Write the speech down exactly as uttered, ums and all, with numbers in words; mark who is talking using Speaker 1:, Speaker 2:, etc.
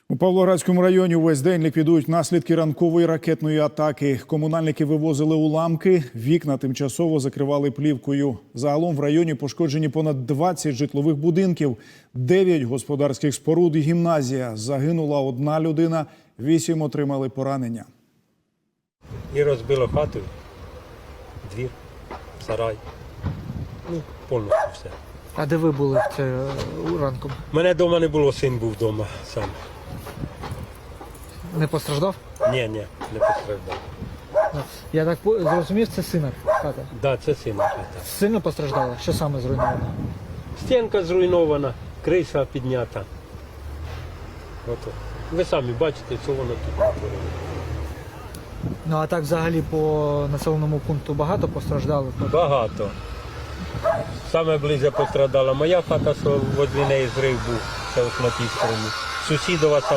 Speaker 1: У Павлоградському районі увесь день ліквідують наслідки ранкової ракетної атаки. Комунальники вивозили уламки, вікна тимчасово закривали плівкою. Загалом в районі пошкоджені понад двадцять житлових будинків, дев'ять господарських споруд і гімназія. Загинула одна людина, вісім отримали поранення.
Speaker 2: І розбило хату, двір, сарай, ну, повністю все.
Speaker 3: А де ви були в це ранком?
Speaker 2: Мене вдома не було, син був вдома сам.
Speaker 3: Не постраждав?
Speaker 2: Ні, ні, не постраждав.
Speaker 3: Я так по- зрозумів, це сина хата.
Speaker 2: Так, да, це сина хата.
Speaker 3: Сильно постраждала? Що саме зруйновано?
Speaker 2: Стінка зруйнована, криша піднята. Ото. Ви самі бачите, що воно тут натворило.
Speaker 3: Ну а так взагалі по населеному пункту багато постраждалих?
Speaker 2: Багато. Саме ближче пострадала моя хата, що возле неї зрив був, це ось на тій стороні. Сусідова